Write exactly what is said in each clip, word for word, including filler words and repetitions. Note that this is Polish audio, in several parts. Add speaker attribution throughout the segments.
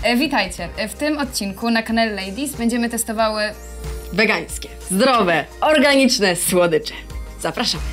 Speaker 1: E, witajcie. E, w tym odcinku na kanale Ladies będziemy testowały
Speaker 2: wegańskie, zdrowe, organiczne słodycze. Zapraszamy.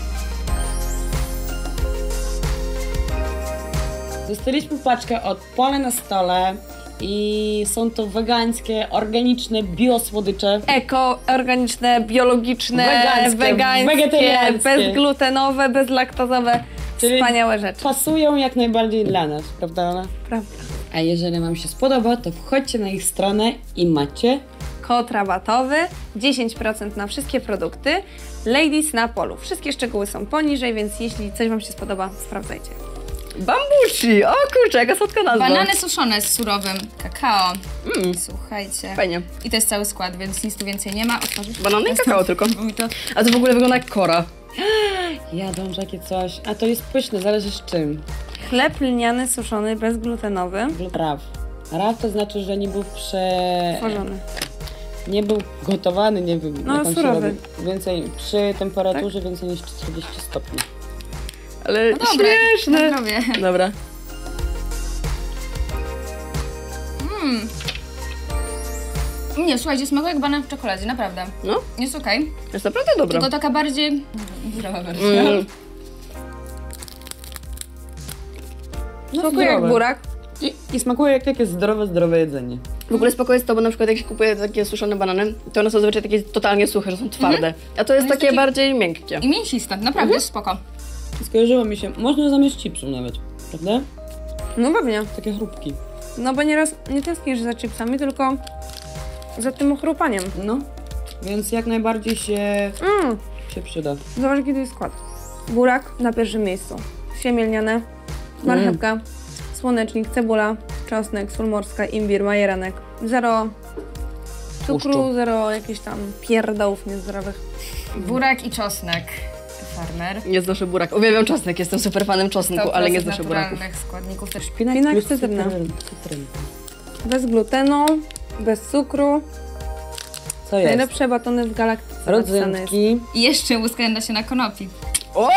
Speaker 3: Dostaliśmy paczkę od Pole na stole i są to wegańskie, organiczne, biosłodycze.
Speaker 2: Eko, organiczne, biologiczne,
Speaker 3: wegańskie,
Speaker 2: wegańskie,
Speaker 3: wegetariańskie,
Speaker 2: bezglutenowe, bezlaktozowe.
Speaker 3: Czyli
Speaker 2: wspaniałe rzeczy.
Speaker 3: Pasują jak najbardziej dla nas, prawda Ola?
Speaker 2: Prawda.
Speaker 3: A jeżeli wam się spodoba, to wchodźcie na ich stronę i macie
Speaker 2: Kod rabatowy, dziesięć procent na wszystkie produkty. Ladies na polu. Wszystkie szczegóły są poniżej, więc jeśli coś wam się spodoba, sprawdzajcie. Bambushi! O kurczę, jaka słodka nazwa.
Speaker 1: banany suszone z surowym kakao.
Speaker 2: Mm.
Speaker 1: Słuchajcie.
Speaker 2: Fajnie.
Speaker 1: I to jest cały skład, więc nic tu więcej nie ma. Otworzysz?
Speaker 2: Banany i kakao tylko.
Speaker 1: To...
Speaker 2: A to w ogóle wygląda jak kora.
Speaker 3: jadą takie coś, a to jest pyszne, zależy z czym.
Speaker 2: Chleb lniany suszony, bezglutenowy.
Speaker 3: Raw. Raw to znaczy, że nie był prze...
Speaker 2: Tworzony.
Speaker 3: Nie był gotowany, nie wiem,
Speaker 2: No,
Speaker 3: jak on się
Speaker 2: surowy.
Speaker 3: robi. Więcej, przy temperaturze tak? Więcej niż czterdzieści stopni.
Speaker 2: Ale
Speaker 1: No dobre,
Speaker 2: śmieszne.
Speaker 1: na zdrowie.
Speaker 2: Dobra.
Speaker 1: Mm. Nie, słuchajcie, smakuje jak banan w czekoladzie, naprawdę.
Speaker 2: No.
Speaker 1: Jest okej. Okay.
Speaker 2: Jest naprawdę dobra.
Speaker 1: Tylko taka bardziej... zdrowa wersja.
Speaker 2: Mm.
Speaker 3: No,
Speaker 2: Smakuje jak
Speaker 3: zdrowe.
Speaker 2: burak.
Speaker 3: I, I smakuje jak takie zdrowe, zdrowe jedzenie.
Speaker 2: W ogóle spoko jest to, bo na przykład jak się kupuje takie suszone banany, to one są zazwyczaj takie totalnie suche, że są twarde. A to jest
Speaker 1: No jest
Speaker 2: takie
Speaker 1: taki-
Speaker 2: bardziej miękkie.
Speaker 1: I mięsiste, naprawdę
Speaker 2: Mhm.
Speaker 1: jest spoko.
Speaker 3: Skojarzyło mi się, można zamiast chipsu nawet, prawda?
Speaker 2: No pewnie.
Speaker 3: Takie chrupki.
Speaker 2: No bo nieraz nie tęsknisz za chipsami, tylko za tym ochrupaniem.
Speaker 3: No, więc jak najbardziej się,
Speaker 2: Mm.
Speaker 3: się przyda.
Speaker 2: Zobacz, jaki to jest skład. Burak na pierwszym miejscu. Siemię lniane, marchewka,
Speaker 3: Mm.
Speaker 2: słonecznik, cebula, czosnek, sól morska, imbir, majeranek. Zero cukru,
Speaker 3: Tłuszczu.
Speaker 2: zero jakichś tam pierdołów niezdrowych.
Speaker 1: Burak i czosnek. Farmer.
Speaker 2: Nie znoszę burak. Uwielbiam czosnek, jestem super fanem czosnku, ale nie znoszę buraków.
Speaker 1: naturalnych składników też.
Speaker 2: Szpinak
Speaker 3: plus
Speaker 2: cytryna.
Speaker 3: cytryn- cytrynka.
Speaker 2: Bez glutenu, bez cukru.
Speaker 3: Co jest?
Speaker 2: Najlepsze batony w galaktyce. napisane jest.
Speaker 3: Rodzynki.
Speaker 1: I jeszcze łuska nasiona konopi,
Speaker 2: O!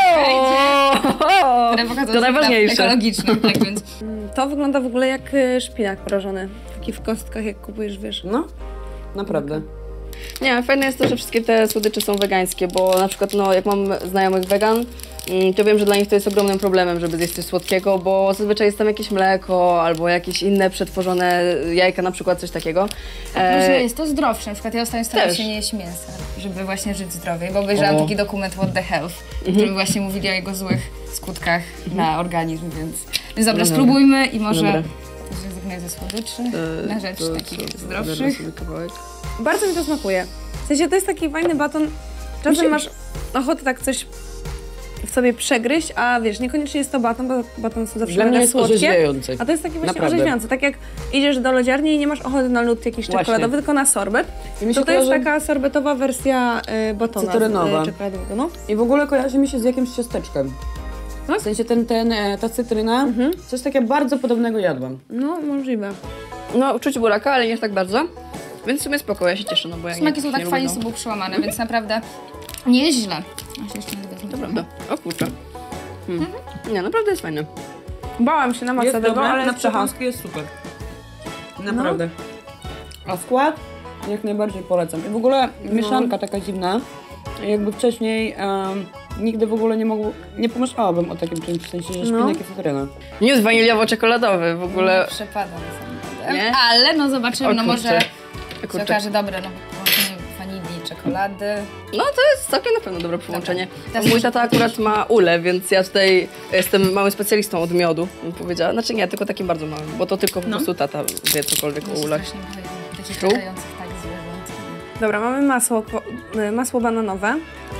Speaker 1: które pokazują
Speaker 2: To
Speaker 1: że
Speaker 2: najważniejsze.
Speaker 1: ekologiczne, tak więc.
Speaker 2: Mm, To wygląda w ogóle jak y, szpinak prażony. Taki w kostkach, jak kupujesz, wiesz.
Speaker 3: No, naprawdę.
Speaker 2: Nie, fajne jest to, że wszystkie te słodycze są wegańskie, bo na przykład no, jak mam znajomych wegan, mm, to wiem, że dla nich to jest ogromnym problemem, żeby zjeść coś słodkiego, bo zazwyczaj jest tam jakieś mleko albo jakieś inne przetworzone jajka, na przykład coś takiego.
Speaker 1: A później
Speaker 2: E,
Speaker 1: jest to zdrowsze. Na przykład ja ostatnio staram
Speaker 2: też.
Speaker 1: się nie jeść mięsa, żeby właśnie żyć zdrowiej, bo obejrzałam
Speaker 3: O.
Speaker 1: taki dokument What the Health, w którym właśnie mówili o jego złych skutkach na organizm, więc... Więc dobra,
Speaker 2: No dobra.
Speaker 1: spróbujmy i może
Speaker 3: Dobra.
Speaker 1: zrezygnuję ze słodyczy
Speaker 2: e,
Speaker 1: na rzecz
Speaker 2: to
Speaker 1: takich
Speaker 2: co,
Speaker 1: zdrowszych.
Speaker 2: zabiorę sobie kawałek. Bardzo mi to smakuje. W sensie to jest taki fajny baton. Czasem masz ochotę tak coś w sobie przegryźć, a wiesz, niekoniecznie jest to baton, bo baton są zawsze
Speaker 3: Dla mnie
Speaker 2: mega
Speaker 3: jest
Speaker 2: słodkie.
Speaker 3: orzeźwiające.
Speaker 2: A to jest taki właśnie
Speaker 3: Naprawdę.
Speaker 2: orzeźwiający. Tak jak idziesz do lodziarni i nie masz ochoty na lód jakiś
Speaker 3: Właśnie.
Speaker 2: czekoladowy, tylko na sorbet,
Speaker 3: I mi się
Speaker 2: to to jest
Speaker 3: kojarzy-
Speaker 2: taka sorbetowa wersja y, batona
Speaker 3: Cytrynowa.
Speaker 2: y, czekoladowego. No.
Speaker 3: I w ogóle kojarzy mi się z jakimś ciasteczkiem.
Speaker 2: Tak?
Speaker 3: W sensie ten, ten, e, ta cytryna,
Speaker 2: Mhm.
Speaker 3: coś takiego bardzo podobnego jadłam.
Speaker 2: no, możliwe. No, czuć buraka, ale nie tak bardzo. Więc w sumie spoko, ja się cieszę, no bo ja
Speaker 1: Smaki
Speaker 2: nie,
Speaker 1: są
Speaker 2: nie
Speaker 1: tak
Speaker 2: lubię,
Speaker 1: fajnie
Speaker 2: no.
Speaker 1: sobą przełamane, więc naprawdę nie jest źle. Ja się jeszcze nie wezmę.
Speaker 2: To prawda. O kurczę. Hmm. Nie, naprawdę jest fajne. Bałam się na maksa
Speaker 3: Jest
Speaker 2: tego,
Speaker 3: dobre,
Speaker 2: ale
Speaker 3: na
Speaker 2: jest przechał.
Speaker 3: przekąski jest super. Naprawdę. A skład? Jak najbardziej polecam. I w ogóle mieszanka taka dziwna. Jakby wcześniej em, nigdy w ogóle nie mogło, nie pomyślałabym o takim czymś, w sensie, że
Speaker 2: No.
Speaker 3: szpinak i cytryna.
Speaker 2: Nie jest waniliowo-czekoladowy w ogóle.
Speaker 1: Nie przepadam samochodem,
Speaker 2: Nie?
Speaker 1: ale no zobaczymy,
Speaker 2: O
Speaker 1: no może
Speaker 2: kurczę.
Speaker 1: się
Speaker 2: Kurczę.
Speaker 1: okaże dobre, no połączenie wanilii, czekolady.
Speaker 2: No to jest całkiem na pewno dobre połączenie.
Speaker 1: Teraz
Speaker 2: Mój
Speaker 1: może
Speaker 2: tata akurat ma ulę, więc ja tutaj jestem małym specjalistą od miodu, bym powiedziała. Znaczy nie, tylko takim bardzo małym, bo to tylko po
Speaker 1: No.
Speaker 2: prostu tata wie cokolwiek
Speaker 1: Ja
Speaker 2: o
Speaker 1: się
Speaker 2: ulach.
Speaker 1: strasznie boję takich
Speaker 2: Czuł?
Speaker 1: latających tak zwierząt.
Speaker 2: Dobra, mamy masło, ko- y, masło bananowe.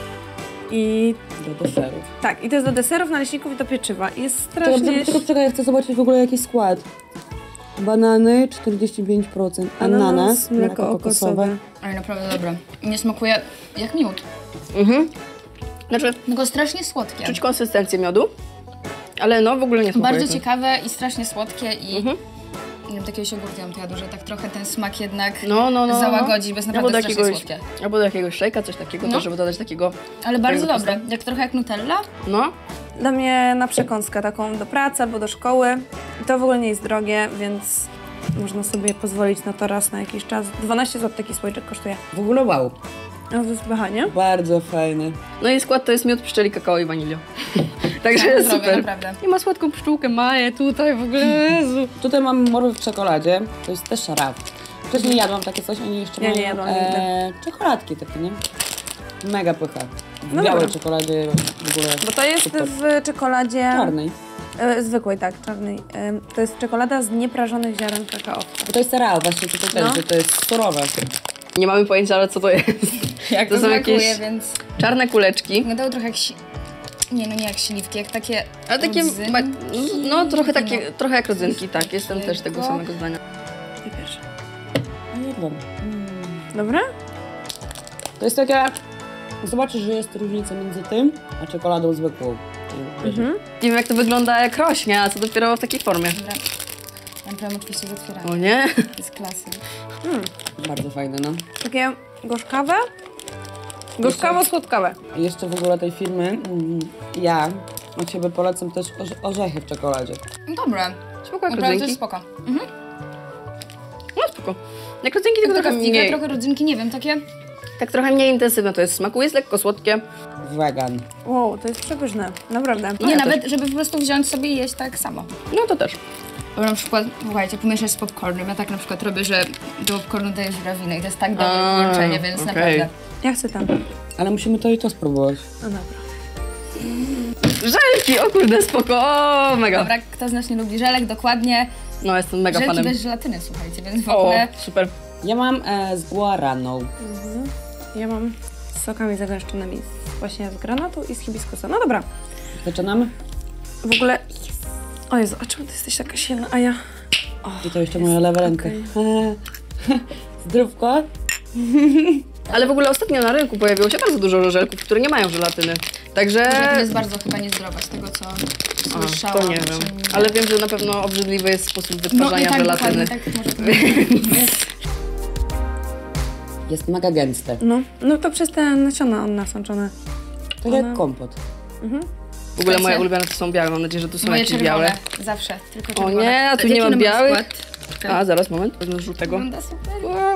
Speaker 2: I
Speaker 3: Do deserów.
Speaker 2: tak, i to jest do deserów, naleśników i do pieczywa. I jest
Speaker 3: Czekaj,
Speaker 2: strasznie...
Speaker 3: tylko czekaj, ja chcę zobaczyć w ogóle jaki skład. Banany czterdzieści pięć procent, ananas,
Speaker 2: mleko kokosowe.
Speaker 1: Ale naprawdę dobre. Nie smakuje jak miód,
Speaker 2: Mhm. Znaczy,
Speaker 1: tylko strasznie słodkie.
Speaker 2: czuć konsystencję miodu, ale no w ogóle nie smakuje.
Speaker 1: Bardzo
Speaker 2: to.
Speaker 1: ciekawe i strasznie słodkie i
Speaker 2: Mhm.
Speaker 1: nie wiem, takiego jogurtu ją jadł, że tak trochę ten smak jednak
Speaker 2: No, no, no.
Speaker 1: załagodzi, bo jest
Speaker 2: Albo
Speaker 1: naprawdę
Speaker 2: do
Speaker 1: strasznie
Speaker 2: jakiegoś,
Speaker 1: słodkie.
Speaker 2: albo do jakiegoś szejka, coś takiego,
Speaker 1: No.
Speaker 2: też, żeby dodać takiego...
Speaker 1: Ale bardzo
Speaker 2: Takiego
Speaker 1: dobre, jak trochę jak Nutella.
Speaker 2: No, Dla mnie na przekąskę taką do pracy albo do szkoły. I to w ogóle nie jest drogie, więc
Speaker 4: można sobie pozwolić na to raz na jakiś czas. dwanaście złotych taki słoiczek kosztuje.
Speaker 3: W ogóle wow.
Speaker 4: No to jest pycha, nie?
Speaker 3: Bardzo fajny.
Speaker 2: No i skład to jest miód, pszczeli, kakao i wanilio. Także
Speaker 1: Tak,
Speaker 2: jest
Speaker 1: zdrowie,
Speaker 2: super.
Speaker 1: naprawdę.
Speaker 2: I ma słodką pszczółkę, Maję tutaj w ogóle, Jezu.
Speaker 3: Tutaj mam morwy w czekoladzie. To jest też szaraf. Wcześniej jadłam takie coś, oni jeszcze
Speaker 4: Ja nie
Speaker 3: mają
Speaker 4: jadłam
Speaker 3: e, czekoladki takie, nie? Mega pycha. W
Speaker 4: No
Speaker 3: białej
Speaker 4: dobra.
Speaker 3: czekoladzie w ogóle
Speaker 4: Bo to jest
Speaker 3: super.
Speaker 4: w czekoladzie...
Speaker 3: Czarnej.
Speaker 4: E, zwykłej, tak, czarnej. E, to jest czekolada z nieprażonych ziaren kakao.
Speaker 3: Bo to jest cereal właśnie tutaj też,
Speaker 4: No.
Speaker 3: że to jest surowe.
Speaker 2: Nie mamy pojęcia, ale co to jest.
Speaker 1: Jak
Speaker 2: To
Speaker 1: to
Speaker 2: są
Speaker 1: smakuje,
Speaker 2: jakieś-
Speaker 1: więc
Speaker 2: Czarne kuleczki.
Speaker 1: wyglądało trochę jak si... Nie, no nie jak śliwki, jak takie
Speaker 2: Ale takie,
Speaker 1: rodzynki.
Speaker 2: ma, no trochę takie, trochę jak rodzynki, tak, jestem też tego
Speaker 1: Tylko-
Speaker 2: samego zdania.
Speaker 4: Ty pierwszy.
Speaker 3: No nie wiem.
Speaker 4: Dobra?
Speaker 3: To jest takie... Zobaczysz, że jest różnica między tym, a czekoladą zwykłą.
Speaker 4: Mhm.
Speaker 2: Nie wiem jak to wygląda jak rośnie, a co dopiero w takiej formie.
Speaker 1: Dobra. Ja problem oczywiście z otwieraniem.
Speaker 2: O nie?
Speaker 1: To jest klasy.
Speaker 3: Bardzo fajne, no.
Speaker 4: Takie gorzkawe? Gorzkawo-słodkawe.
Speaker 3: I jeszcze w ogóle tej firmy, mm, ja od siebie polecam też orze- orzechy w czekoladzie.
Speaker 1: No dobra.
Speaker 2: Spoko jak
Speaker 1: Naprawdę to jest
Speaker 2: rodzynki.
Speaker 1: spoko. Mhm.
Speaker 2: No spoko. Jak rodzynki, tylko
Speaker 1: Taka
Speaker 2: trochę
Speaker 1: figa,
Speaker 2: mniej,
Speaker 1: trochę rodzynki, nie wiem, takie...
Speaker 2: tak trochę mniej intensywne to jest smaku, jest lekko słodkie.
Speaker 3: Wegan.
Speaker 4: Wow, to jest przepyszne. Naprawdę.
Speaker 1: Nie,
Speaker 2: ja
Speaker 1: nawet, żeby po prostu wziąć sobie i jeść tak samo.
Speaker 2: No to też.
Speaker 1: Bo na przykład, słuchajcie, pomieszać z popcornem. Ja tak na przykład robię, że do popcornu daję żurawinę i to jest tak dobre
Speaker 2: A,
Speaker 1: połączenie, więc
Speaker 2: okej.
Speaker 1: naprawdę.
Speaker 4: Ja chcę tam.
Speaker 3: Ale musimy to i to spróbować.
Speaker 4: No dobra.
Speaker 2: Żelki, o kurde, spoko, o, mega.
Speaker 1: Dobra, kto z nas nie lubi żelek, dokładnie.
Speaker 2: No jestem mega
Speaker 1: Żelki
Speaker 2: fanem.
Speaker 1: bez żelatyny, słuchajcie, więc w
Speaker 2: O,
Speaker 1: ogóle...
Speaker 2: super.
Speaker 3: Ja mam e, z guaraną.
Speaker 4: Ja mam z sokami zagęszczonymi z- właśnie z granatu i z hibiskusa. No dobra.
Speaker 3: Zaczynamy?
Speaker 4: W ogóle... O Jezu, a czemu ty jesteś taka silna, a ja...
Speaker 3: I to jeszcze moja lewa ręka. Zdrówko?
Speaker 2: Ale w ogóle ostatnio na rynku pojawiło się bardzo dużo żelków, które nie mają żelatyny. Także...
Speaker 1: To jest bardzo chyba niezdrowa z tego, co
Speaker 2: A,
Speaker 1: słyszałam.
Speaker 2: to nie wiem.
Speaker 1: czy-
Speaker 2: Ale wiem, że na pewno obrzydliwy jest sposób
Speaker 1: No i
Speaker 2: wytwarzania
Speaker 1: tak,
Speaker 2: żelatyny.
Speaker 1: dokładnie, tak może to być.
Speaker 3: Jest mega gęste.
Speaker 4: No, no to przez te nasiona on nasączone.
Speaker 3: Tak jak kompot.
Speaker 2: W ogóle moje
Speaker 1: Słuchajcie.
Speaker 2: ulubione to są białe, mam nadzieję, że tu są
Speaker 1: Moje
Speaker 2: jakieś
Speaker 1: czerwone,
Speaker 2: białe.
Speaker 1: zawsze, tylko
Speaker 2: O
Speaker 1: czerwone.
Speaker 2: nie, a tu
Speaker 1: Jaki
Speaker 2: nie mam
Speaker 1: numer
Speaker 2: białych.
Speaker 1: skład?
Speaker 2: A, zaraz, moment, wezmę żółtego.
Speaker 1: Wygląda super.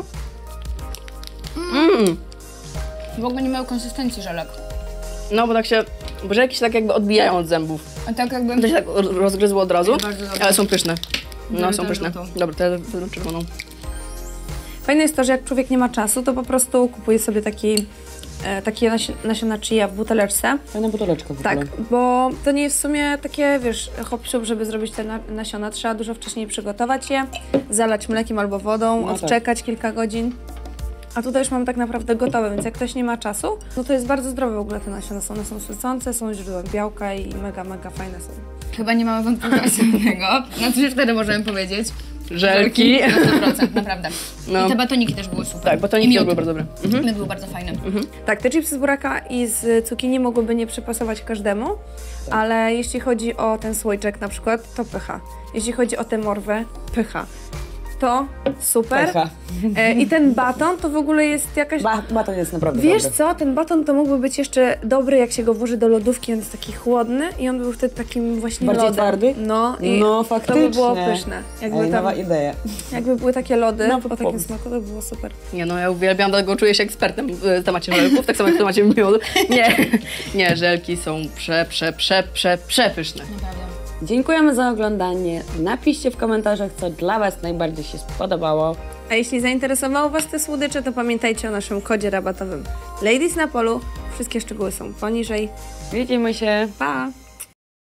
Speaker 2: Mm.
Speaker 1: W ogóle nie mają konsystencji żelek.
Speaker 2: No bo tak się, bo żelki się tak jakby odbijają od zębów.
Speaker 1: A tak jakby...
Speaker 2: To się tak rozgryzło od razu,
Speaker 1: Bardzo dobre.
Speaker 2: ale są pyszne. No,
Speaker 1: Biorę
Speaker 2: są
Speaker 1: tę
Speaker 2: pyszne.
Speaker 1: żółtą.
Speaker 2: Dobra, to ja wezmę czerwoną.
Speaker 4: Fajne jest to, że jak człowiek nie ma czasu, to po prostu kupuje sobie taki, e, takie nasi- nasiona chia w buteleczce.
Speaker 3: Fajna buteleczka w
Speaker 4: Tak,
Speaker 3: ogóle.
Speaker 4: bo to nie jest w sumie takie, wiesz, hop siup, żeby zrobić te na- nasiona. Trzeba dużo wcześniej przygotować je, zalać mlekiem albo wodą,
Speaker 3: No tak.
Speaker 4: odczekać kilka godzin. A tutaj już mamy tak naprawdę gotowe, więc jak ktoś nie ma czasu, no to jest bardzo zdrowe w ogóle te nasiona są. One są sycące, są źródłem białka i mega, mega fajne są.
Speaker 1: Chyba nie mamy wątpliwości żadnego. No to już wtedy możemy powiedzieć.
Speaker 2: Żelki.
Speaker 1: Na sto procent, naprawdę.
Speaker 2: No.
Speaker 1: I te batoniki też były super.
Speaker 2: Tak, bo to
Speaker 1: I
Speaker 2: nie
Speaker 1: miód.
Speaker 2: były bardzo dobre. Mhm.
Speaker 1: Miód był bardzo fajny.
Speaker 4: Tak, te chipsy z buraka i z cukinii mogłyby nie przypasować każdemu, ale jeśli chodzi o ten słoiczek na przykład, to pycha. Jeśli chodzi o tę morwę, pycha. To super.
Speaker 3: Pycha.
Speaker 4: E, I ten baton to w ogóle jest jakaś...
Speaker 3: Ba baton jest naprawdę
Speaker 4: Wiesz
Speaker 3: dobry.
Speaker 4: co, ten baton to mógłby być jeszcze dobry, jak się go włoży do lodówki, on jest taki chłodny i on był wtedy takim właśnie
Speaker 3: Bardziej
Speaker 4: lodem.
Speaker 3: twardy?
Speaker 4: No i
Speaker 3: No,
Speaker 4: to
Speaker 3: faktycznie.
Speaker 4: by było pyszne. Jakby,
Speaker 3: Ej,
Speaker 4: tam,
Speaker 3: nowa idea.
Speaker 4: jakby były takie lody
Speaker 3: Nowy
Speaker 4: o takim
Speaker 3: pomysł.
Speaker 4: smaku, to by było super.
Speaker 2: Nie no, ja uwielbiam, dlatego czuję się ekspertem w temacie żelków, tak samo jak w temacie miodu. Nie, nie, żelki są prze, prze, prze, prze, przepyszne.
Speaker 1: Naprawdę.
Speaker 3: Dziękujemy za oglądanie. Napiszcie w komentarzach, co dla Was najbardziej się spodobało.
Speaker 4: A jeśli zainteresowało Was te słodycze, to pamiętajcie o naszym kodzie rabatowym Ladies na Polu. Wszystkie szczegóły są poniżej.
Speaker 3: Widzimy się.
Speaker 4: Pa!